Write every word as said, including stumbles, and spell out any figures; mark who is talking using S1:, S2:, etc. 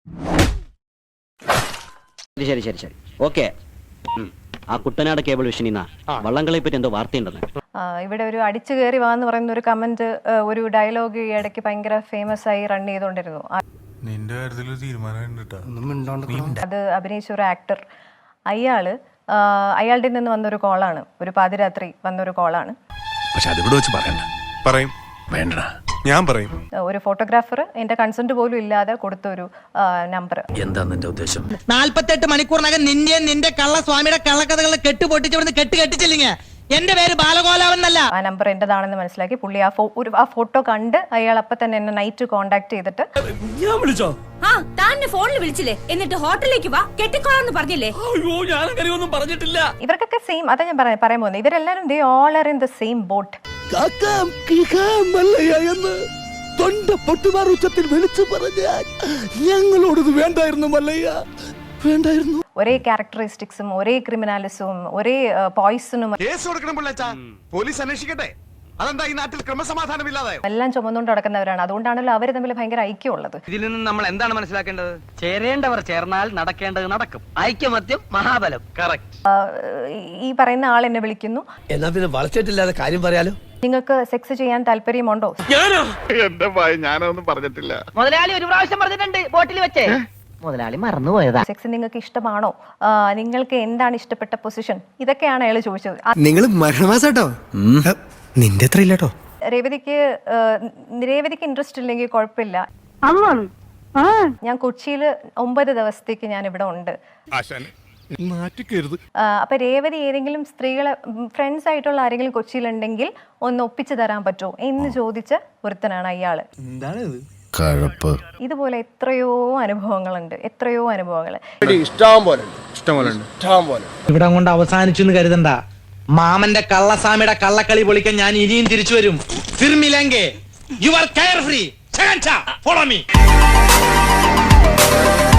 S1: ശരി ശരി ശരി ഓക്കെ. ആ കുട്ടനാട് കേബിൾ വിഷനിന്ന വള്ളംകളെ പറ്റി എന്തോ വാർത്തയുണ്ടെന്ന്.
S2: ഇവിടെ ഒരു അടിച്ചു കയറി വാന്ന് പറയുന്ന ഒരു കമന്റ്, ഒരു ഡയലോഗ് ഈ ഇടയ്ക്ക് ഭയങ്കര ഫേമസ് ആയി റൺ ചെയ്തോണ്ടിരുന്നു. അത് അഭിനയിച്ച ഒരു ആക്ടർ, അയാള് അയാളുടെ നിന്ന് വന്നൊരു കോളാണ്, ഒരു പാതിരാത്രി വന്നൊരു കോളാണ്.
S3: ഞാൻ പറയും
S2: ഒരു ഫോട്ടോഗ്രാഫർ എന്റെ കൺസെന്റ് പോലും ഇല്ലാതെ കൊടുത്ത ഒരു നമ്പർ.
S4: എന്താ നിന്റെ ഉദ്ദേശം?
S5: നാല്പത്തെട്ട് മണിക്കൂറിനകം നിന്റെ നിന്റെ കള്ളസ്വാമിയുടെ കള്ളക്കഥകളെ കെട്ട് പൊട്ടിച്ചവിടുന്ന് കെട്ട് കെട്ടിച്ചില്ലെങ്കിൽ എന്റെ പേര് ബാലഗോലാവെന്നല്ല.
S2: ആ നമ്പർ എന്റേതാണെന്ന് മനസ്സിലാക്കി പുള്ളി ആ ഒരു ആ ഫോട്ടോ കണ്ട് അയാൾ അപ്പൊ തന്നെ എന്നെ നൈറ്റ് കോണ്ടാക്ട് ചെയ്തിട്ട്
S6: ഞാൻ വിളിച്ചോ?
S7: ആ താൻ ഫോണിൽ വിളിച്ചില്ലേ, എന്നിട്ട് ഹോട്ടലിലേക്ക് വാ കെട്ടിക്കോളാന്ന് പറഞ്ഞില്ലേ?
S6: അയ്യോ ഞാൻ അങ്ങനെയൊന്നും പറഞ്ഞിട്ടില്ല.
S2: ഇവർക്കൊക്കെ സെയിം, അതാ ഞാൻ പറയാൻ പറയാൻ പോകുന്നത്, ഇവരെല്ലാരും they all are in the same boat.
S8: എന്ന് തൊണ്ട പൊട്ടുമാർ ഉച്ചത്തിൽ വിളിച്ചു പറഞ്ഞാൽ ഞങ്ങളോടത് വേണ്ടായിരുന്നു മല്ലയ്യ, വേണ്ടായിരുന്നു.
S2: ഒരേ ക്യാരക്ടറിസ്റ്റിക്സും ഒരേ ക്രിമിനാലിസവും ഒരേ പോയിസണും
S3: പോലീസ് അന്വേഷിക്കട്ടെ. അതെന്താ ഈ നാട്ടിൽ ക്രമസമാധാനമില്ലാതെ
S2: എല്ലാം ചുമന്നുകൊണ്ട് നടക്കുന്നവരാണ്. അതുകൊണ്ടാണല്ലോ അവര് തമ്മിൽ ഭയങ്കര ഐക്യമുള്ളത്.
S4: ഇതിൽ നിന്ന് നമ്മൾ എന്താണ് മനസ്സിലാക്കേണ്ടത്? ചേരേണ്ടവർ ചേർന്നാൽ നടക്കേണ്ടത് നടക്കും. ഐക്യമത്യം മഹാബലം. കറക്റ്റ്.
S2: ഈ പറയുന്ന ആൾ എന്നെ വിളിക്കുന്നു,
S8: എന്നാ പിന്നെ വളച്ചിട്ടില്ലാതെ കാര്യം പറയാലോ.
S2: നിങ്ങൾക്ക് സെക്സ് ചെയ്യാൻ താല്പര്യമുണ്ടോ?
S3: എന്റെ ഭയ ഞാനൊന്നും പറഞ്ഞിട്ടില്ല.
S5: മുതലാളി ഒരു പ്രാവശ്യം പറഞ്ഞിട്ടുണ്ട് ബോട്ടിൽ വെച്ചേ. മുതലാളി മറന്നുപോയതാ.
S2: സെക്സ് നിങ്ങൾക്ക് ഇഷ്ടമാണോ? നിങ്ങൾക്ക് എന്താണ് ഇഷ്ടപ്പെട്ട പൊസിഷൻ? ഇതൊക്കെയാണ് അയാൾ ചോദിച്ചത്.
S8: നിങ്ങൾ മരണമാസാട്ടോ, നിന്റെ അത്ര ഇല്ലട്ടോ.
S2: രേവതിക്ക് രേവതിക്ക് ഇൻട്രസ്റ്റ് ഇല്ലെങ്കിൽ കുഴപ്പമില്ല. ഞാൻ കൊച്ചിയിൽ ഒമ്പത് ദിവസത്തേക്ക് ഞാൻ ഇവിടെ ഉണ്ട്. അപ്പൊ രേവതി ഏതെങ്കിലും സ്ത്രീകളെ ഫ്രണ്ട്സ് ആയിട്ടുള്ള ആരെങ്കിലും കൊച്ചിയിലുണ്ടെങ്കിൽ ഒന്ന് ഒപ്പിച്ചു തരാൻ പറ്റുമോ എന്ന് ചോദിച്ച ഒരുത്തനാണ് അയാള്. ഇതുപോലെ എത്രയോ അനുഭവങ്ങളുണ്ട്, എത്രയോ അനുഭവങ്ങൾ.
S5: ഇവിടെ കൊണ്ട് അവസാനിച്ചു എന്ന് കരുതണ്ട. മാമന്റെ കള്ളസ്വാമിയുടെ കള്ളക്കളി പൊളിക്കാൻ ഞാൻ ഇനിയും തിരിച്ചു വരും. You are carefree. Follow me.